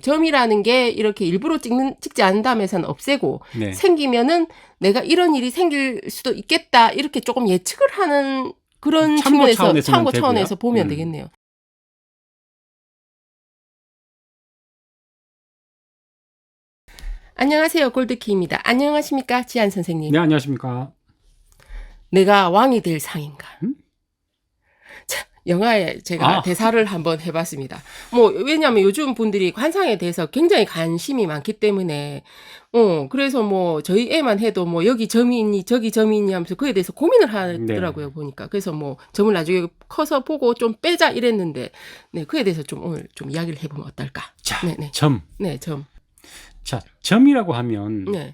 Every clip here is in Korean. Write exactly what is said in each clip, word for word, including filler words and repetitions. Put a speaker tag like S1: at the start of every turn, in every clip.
S1: 점이라는 게 이렇게 일부러 찍는 찍지 않는다면 해서는 없애고
S2: 네.
S1: 생기면은 내가 이런 일이 생길 수도 있겠다 이렇게 조금 예측을 하는 그런
S2: 참고
S1: 측면에서
S2: 차원에서는
S1: 참고
S2: 되고요.
S1: 차원에서 보면
S2: 음.
S1: 되겠네요. 안녕하세요. 골드키입니다. 안녕하십니까? 지한 선생님.
S2: 네, 안녕하십니까.
S1: 내가 왕이 될 상인가?
S2: 음?
S1: 자, 영화에 제가
S2: 아.
S1: 대사를 한번 해봤습니다. 뭐 왜냐하면 요즘 분들이 관상에 대해서 굉장히 관심이 많기 때문에 어 그래서 뭐 저희 애만 해도 뭐 여기 점이 있니 저기 점이 있니 하면서 그에 대해서 고민을 하더라고요.
S2: 네.
S1: 보니까 그래서 뭐 점을 나중에 커서 보고 좀 빼자 이랬는데 네 그에 대해서 좀 오늘 좀 이야기를 해보면 어떨까?
S2: 자,
S1: 네네.
S2: 점.
S1: 네 점.
S2: 자, 점이라고 하면
S1: 네.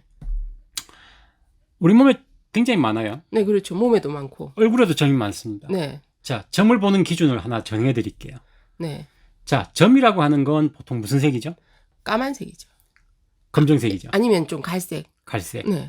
S2: 우리 몸에 굉장히 많아요.
S1: 네 그렇죠. 몸에도 많고.
S2: 얼굴에도 점이 많습니다.
S1: 네.
S2: 자, 점을 보는 기준을 하나 정해 드릴게요.
S1: 네.
S2: 자, 점이라고 하는 건 보통 무슨 색이죠?
S1: 까만색이죠.
S2: 검정색이죠.
S1: 아니면 좀 갈색.
S2: 갈색.
S1: 네.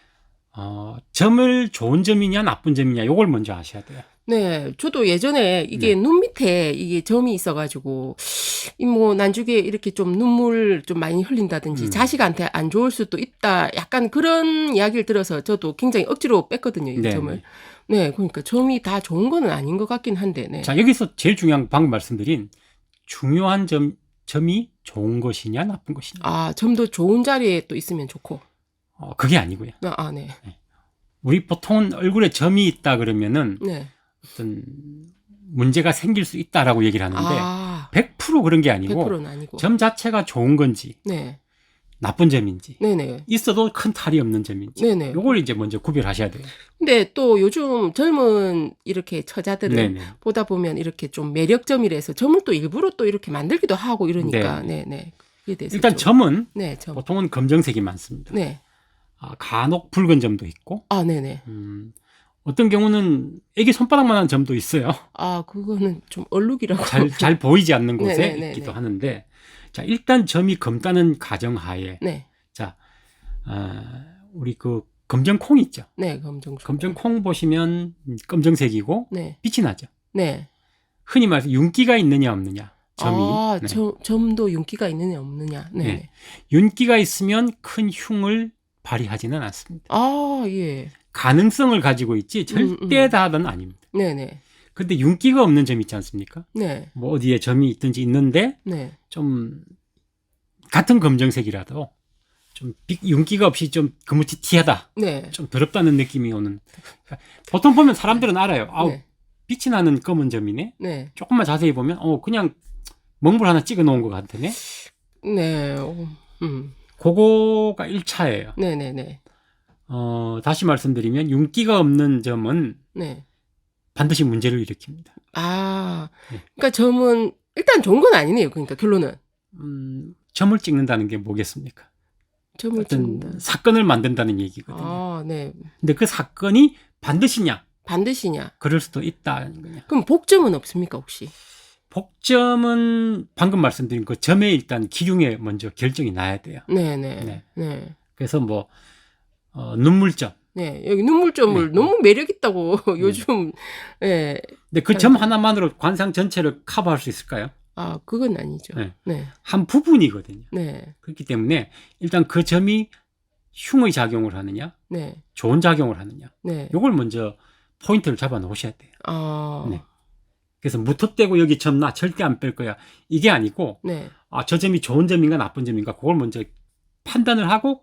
S2: 어, 점을 좋은 점이냐 나쁜 점이냐 이걸 먼저 아셔야 돼요.
S1: 네, 저도 예전에 이게
S2: 네.
S1: 눈 밑에 이게 점이 있어가지고, 이 뭐, 난중에 이렇게 좀 눈물 좀 많이 흘린다든지,
S2: 음.
S1: 자식한테 안 좋을 수도 있다. 약간 그런 이야기를 들어서 저도 굉장히 억지로 뺐거든요, 이
S2: 네,
S1: 점을.
S2: 네.
S1: 네, 그러니까 점이 다 좋은 거는 아닌 것 같긴 한데, 네.
S2: 자, 여기서 제일 중요한 방금 말씀드린 중요한 점, 점이 좋은 것이냐 나쁜 것이냐.
S1: 아, 점도 좋은 자리에 또 있으면 좋고.
S2: 어, 그게 아니고요.
S1: 아, 아, 네.
S2: 우리 보통은 얼굴에 점이 있다 그러면은
S1: 네.
S2: 어떤 문제가 생길 수 있다라고 얘기를 하는데
S1: 아,
S2: 백 퍼센트 그런 게 아니고
S1: 백 퍼센트는 아니고.
S2: 점 자체가 좋은 건지
S1: 네.
S2: 나쁜 점인지
S1: 네네.
S2: 있어도 큰 탈이 없는 점인지
S1: 네네.
S2: 요걸 이제 먼저 구별하셔야 돼요.
S1: 근데 또 요즘 젊은 이렇게 처자들은
S2: 네네.
S1: 보다 보면 이렇게 좀 매력점이라서 점을 또 일부러 또 이렇게 만들기도 하고 이러니까
S2: 네.
S1: 네네. 그에 대해서
S2: 일단
S1: 좀-
S2: 점은
S1: 네, 점.
S2: 보통은 검정색이 많습니다.
S1: 네.
S2: 아, 간혹 붉은 점도 있고
S1: 아, 네네.
S2: 음, 어떤 경우는 애기 손바닥만한 점도 있어요.
S1: 아, 그거는 좀 얼룩이라고.
S2: 잘, 잘 보이지 않는 곳에
S1: 네네네네.
S2: 있기도 하는데 자 일단 점이 검다는 가정하에
S1: 네.
S2: 자 아, 우리 그 검정콩 있죠.
S1: 네, 검정.
S2: 검정콩 보시면 검정색이고
S1: 네.
S2: 빛이 나죠.
S1: 네.
S2: 흔히 말해서 윤기가 있느냐 없느냐 점이
S1: 아,
S2: 네.
S1: 점, 점도 윤기가 있느냐 없느냐. 네.
S2: 네. 윤기가 있으면 큰 흉을 발휘하지는 않습니다.
S1: 아, 예.
S2: 가능성을 가지고 있지 절대
S1: 음, 음.
S2: 다는 아닙니다.
S1: 네네.
S2: 근데 윤기가 없는 점 있지 않습니까?
S1: 네.
S2: 뭐 어디에 점이 있든지 있는데
S1: 네.
S2: 좀 같은 검정색이라도 좀 빛- 윤기가 없이 좀 거무튀튀하다,
S1: 네.
S2: 좀 더럽다는 느낌이 오는. 보통 보면 사람들은 알아요. 아우
S1: 네.
S2: 빛이 나는 검은 점이네.
S1: 네.
S2: 조금만 자세히 보면 어 그냥 멍불 하나 찍어 놓은 것 같으네.
S1: 네. 어, 음.
S2: 그거가 일 차예요.
S1: 네네네.
S2: 어, 다시 말씀드리면 윤기가 없는 점은
S1: 네.
S2: 반드시 문제를 일으킵니다.
S1: 아,
S2: 네.
S1: 그러니까 점은 일단 좋은 건 아니네요. 그러니까 결론은
S2: 음, 점을 찍는다는 게 뭐겠습니까?
S1: 점을
S2: 어떤
S1: 찍는다.
S2: 사건을 만든다는 얘기거든요.
S1: 아, 네.
S2: 근데 그 사건이 반드시냐?
S1: 반드시냐?
S2: 그럴 수도 있다는 거냐.
S1: 그럼 복점은 없습니까 혹시?
S2: 복점은 방금 말씀드린 그 점에 일단 기흉에 먼저 결정이 나야 돼요.
S1: 네네.
S2: 네.
S1: 네.
S2: 그래서 뭐 어, 눈물점.
S1: 네. 여기 눈물점을
S2: 네.
S1: 너무 매력 있다고 요즘. 예.
S2: 근데 그 점 하나만으로 관상 전체를 커버할 수 있을까요?
S1: 아, 그건 아니죠.
S2: 네.
S1: 네.
S2: 한 부분이거든요.
S1: 네.
S2: 그렇기 때문에 일단 그 점이 흉의 작용을 하느냐,
S1: 네.
S2: 좋은 작용을 하느냐,
S1: 네.
S2: 요걸 먼저 포인트를 잡아 놓으셔야 돼요.
S1: 아.
S2: 네. 그래서 무턱대고 여기 점 나 절대 안 뺄 거야. 이게 아니고,
S1: 네.
S2: 아, 저 점이 좋은 점인가 나쁜 점인가, 그걸 먼저 판단을 하고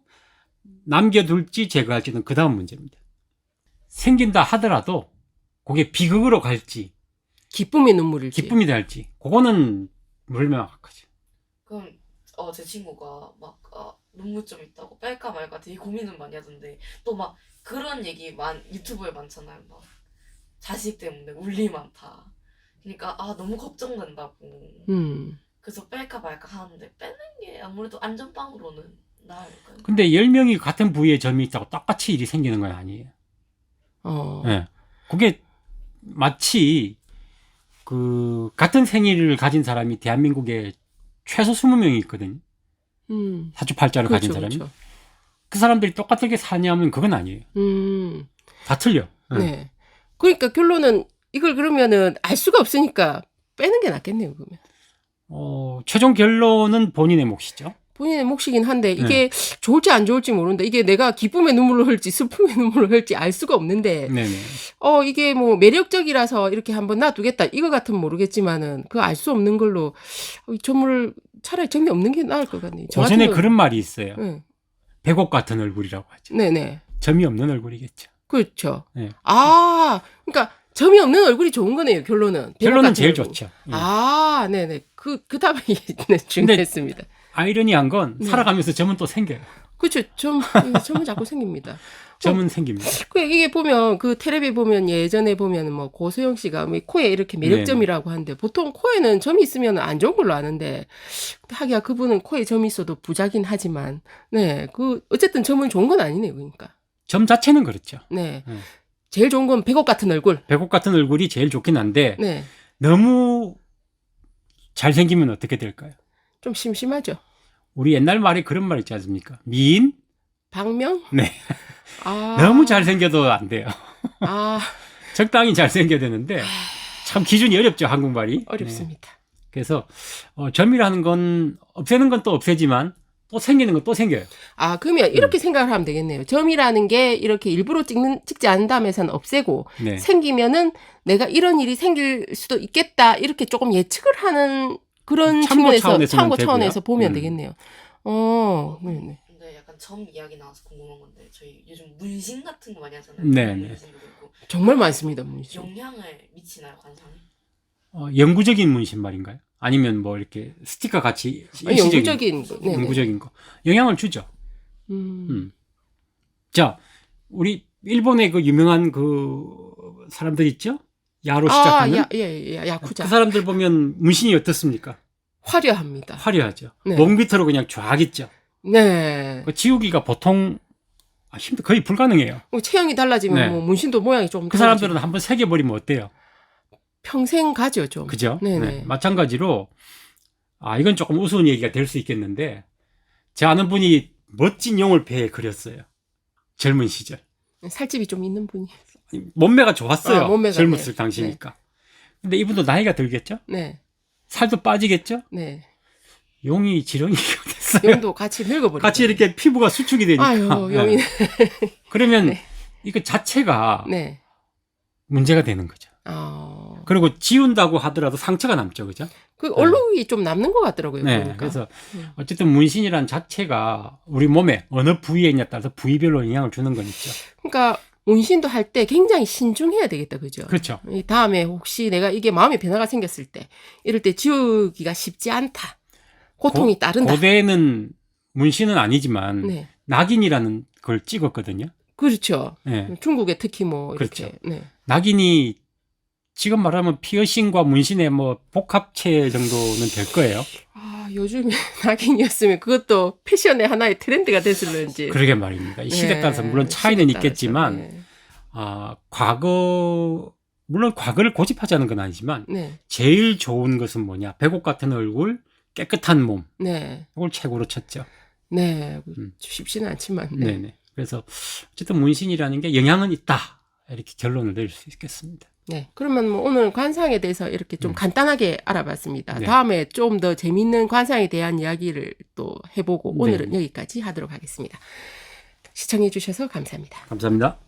S2: 남겨둘지 제거할지는 그 다음 문제입니다. 생긴다 하더라도 그게 비극으로 갈지,
S1: 기쁨의 눈물일지.
S2: 기쁨이 될지, 그거는 물명확하죠.
S3: 그럼 어, 제 친구가 막 아, 눈물점 있다고 뺄까 말까 되게 고민을 많이 하던데 또 막 그런 얘기 많 유튜브에 많잖아요. 막 자식 때문에 울리 많다. 그러니까 아 너무 걱정된다고.
S1: 음.
S3: 그래서 뺄까 말까 하는데 빼는 게 아무래도 안전빵으로는 나을까요?
S2: 근데 열 명이 같은 부위에 점이 있다고 똑같이 일이 생기는 건 아니에요.
S1: 어.
S2: 네. 그게 마치 그 같은 생일을 가진 사람이 대한민국에 최소 스무 명이 있거든요.
S1: 음.
S2: 사주팔자를 가진
S1: 그렇죠,
S2: 사람이.
S1: 그렇죠.
S2: 그 사람들이 똑같게 사냐면 그건 아니에요.
S1: 음.
S2: 다 틀려. 네.
S1: 네. 그러니까 결론은 이걸 그러면은 알 수가 없으니까 빼는 게 낫겠네요, 그러면.
S2: 어, 최종 결론은 본인의 몫이죠.
S1: 본인의 몫이긴 한데 이게 좋을지 안 좋을지 모르는데 이게 내가 기쁨의 눈물을 흘지 슬픔의 눈물을 흘지 알 수가 없는데
S2: 네네.
S1: 어 이게 뭐 매력적이라서 이렇게 한번 놔두겠다 이거 같으면 모르겠지만은 그 알 수 없는 걸로 이 점을 차라리 점이 없는 게 나을 것 같네요. 저
S2: 고전에
S1: 같은
S2: 그런 말이 있어요.
S1: 네.
S2: 백옥 같은 얼굴이라고 하죠.
S1: 네네.
S2: 점이 없는 얼굴이겠죠.
S1: 그렇죠.
S2: 네.
S1: 아 그러니까 점이 없는 얼굴이 좋은 거네요. 결론은.
S2: 결론은
S1: 같은
S2: 제일
S1: 얼굴.
S2: 좋죠. 예.
S1: 아 네네. 그 그 답이 네, 중요했습니다.
S2: 아이러니한 건
S1: 네.
S2: 살아가면서 점은 또 생겨요.
S1: 그렇죠. 점 점은 자꾸 생깁니다.
S2: 점은 생깁니다.
S1: 그 이게 보면 그 텔레비 보면 예전에 보면 뭐 고소영 씨가 뭐 코에 이렇게 매력점이라고 하는데 보통 코에는 점이 있으면 안 좋은 걸로 아는데 하기야 그분은 코에 점이 있어도 부자긴 하지만 네 그 어쨌든 점은 좋은 건 아니네요. 그러니까
S2: 점 자체는 그렇죠.
S1: 네
S2: 음.
S1: 제일 좋은 건 백옥 같은 얼굴.
S2: 백옥 같은 얼굴이 제일 좋긴 한데
S1: 네
S2: 너무 잘생기면 어떻게 될까요?
S1: 좀 심심하죠.
S2: 우리 옛날 말에 그런 말 있지 않습니까? 미인?
S1: 박명?
S2: 네.
S1: 아
S2: 너무 잘생겨도 안 돼요.
S1: 아
S2: 적당히 잘생겨야 되는데 참 기준이 어렵죠, 한국말이. 네.
S1: 어렵습니다.
S2: 그래서 어, 점이라는 건 없애는 건 또 없애지만 또 생기는 건 또 생겨요.
S1: 아, 그러면 이렇게
S2: 음.
S1: 생각을 하면 되겠네요. 점이라는 게 이렇게 일부러 찍는, 찍지 않은 다음에서는 없애고,
S2: 네.
S1: 생기면은 내가 이런 일이 생길 수도 있겠다, 이렇게 조금 예측을 하는 그런
S2: 참고
S1: 측면에서,
S2: 차원에서는
S1: 참고
S2: 되고요.
S1: 차원에서 보면
S2: 음.
S1: 되겠네요. 어, 네네.
S3: 근데 약간 점 이야기 나와서 궁금한 건데 저희 요즘 문신 같은 거 많이 하잖아요.
S2: 네, 네.
S3: 문신도 그렇고
S1: 정말 많습니다, 문신.
S3: 영향을 미치나요 관상에?
S2: 어, 영구적인 문신 말인가요? 아니면 뭐 이렇게 스티커 같이
S1: 아니,
S2: 일시적인
S1: 영구적인 거. 네네.
S2: 영구적인 거 영향을 주죠.
S1: 음.
S2: 음. 자, 우리 일본의 그 유명한 그 사람들 있죠? 야로
S1: 아,
S2: 시작하는
S1: 야, 예, 예, 야쿠자.
S2: 그 사람들 보면 문신이 어떻습니까?
S1: 화려합니다.
S2: 화려하죠.
S1: 네.
S2: 목 밑으로 그냥 쫙 있죠.
S1: 네.
S2: 그 지우기가 보통 아, 힘들 거의 불가능해요.
S1: 뭐 체형이 달라지면
S2: 네.
S1: 뭐 문신도 모양이 좀
S2: 그
S1: 달라지고.
S2: 사람들은 한번 새겨버리면 어때요?
S1: 평생 가죠, 좀.
S2: 그죠?
S1: 네네.
S2: 네. 마찬가지로 아 이건 조금 우스운 얘기가 될 수 있겠는데 제 아는 분이 멋진 용을 배에 그렸어요. 젊은 시절.
S1: 살집이 좀 있는 분이.
S2: 몸매가 좋았어요.
S1: 아, 몸매가,
S2: 젊었을
S1: 네.
S2: 당시니까. 근데 이분도 나이가 들겠죠?
S1: 네,
S2: 살도 빠지겠죠?
S1: 네.
S2: 용이 지렁이가 됐어요.
S1: 용도 같이 늙어버리고.
S2: 같이 이렇게 피부가 수축이 되니까.
S1: 아유,
S2: 네.
S1: 용이.
S2: 그러면
S1: 네.
S2: 이거 자체가
S1: 네.
S2: 문제가 되는 거죠.
S1: 어.
S2: 그리고 지운다고 하더라도 상처가 남죠. 그죠?
S1: 그 얼룩이 좀 남는 것 같더라고요.
S2: 네.
S1: 보니까.
S2: 그래서
S1: 음.
S2: 어쨌든 문신이란 자체가 우리 몸에 어느 부위에 있냐에 따라서 부위별로 영향을 주는 건 있죠.
S1: 그러니까 문신도 할 때 굉장히 신중해야 되겠다, 그죠?
S2: 그렇죠.
S1: 이 다음에 혹시 내가 이게 마음의 변화가 생겼을 때, 이럴 때 지우기가 쉽지 않다. 고통이
S2: 고-
S1: 따른다.
S2: 고대는 문신은 아니지만
S1: 네,
S2: 낙인이라는 걸 찍었거든요.
S1: 그렇죠.
S2: 네.
S1: 중국에 특히 뭐 이렇게.
S2: 그렇죠.
S1: 네.
S2: 낙인이 지금 말하면 피어싱과 문신의 뭐 복합체 정도는 될 거예요.
S1: 아, 요즘에 낙인이었으면 그것도 패션의 하나의 트렌드가 됐을는지.
S2: 그러게 말입니다. 이 시대에
S1: 네,
S2: 따라서 물론 차이는
S1: 시대에 따라서.
S2: 있겠지만
S1: 네.
S2: 아, 과거 물론 과거를 고집하자는 건 아니지만
S1: 네,
S2: 제일 좋은 것은 뭐냐? 백옥 같은 얼굴, 깨끗한 몸.
S1: 네,
S2: 이걸 최고로 쳤죠.
S1: 네.
S2: 음.
S1: 쉽지는 않지만.
S2: 네.
S1: 네.
S2: 네 그래서 어쨌든 문신이라는 게 영향은 있다. 이렇게 결론을 내릴 수 있겠습니다.
S1: 네. 그러면 뭐 오늘 관상에 대해서 이렇게 좀
S2: 음.
S1: 간단하게 알아봤습니다.
S2: 네.
S1: 다음에 좀 더 재밌는 관상에 대한 이야기를 또 해보고
S2: 네.
S1: 오늘은 여기까지 하도록 하겠습니다. 시청해 주셔서 감사합니다.
S2: 감사합니다.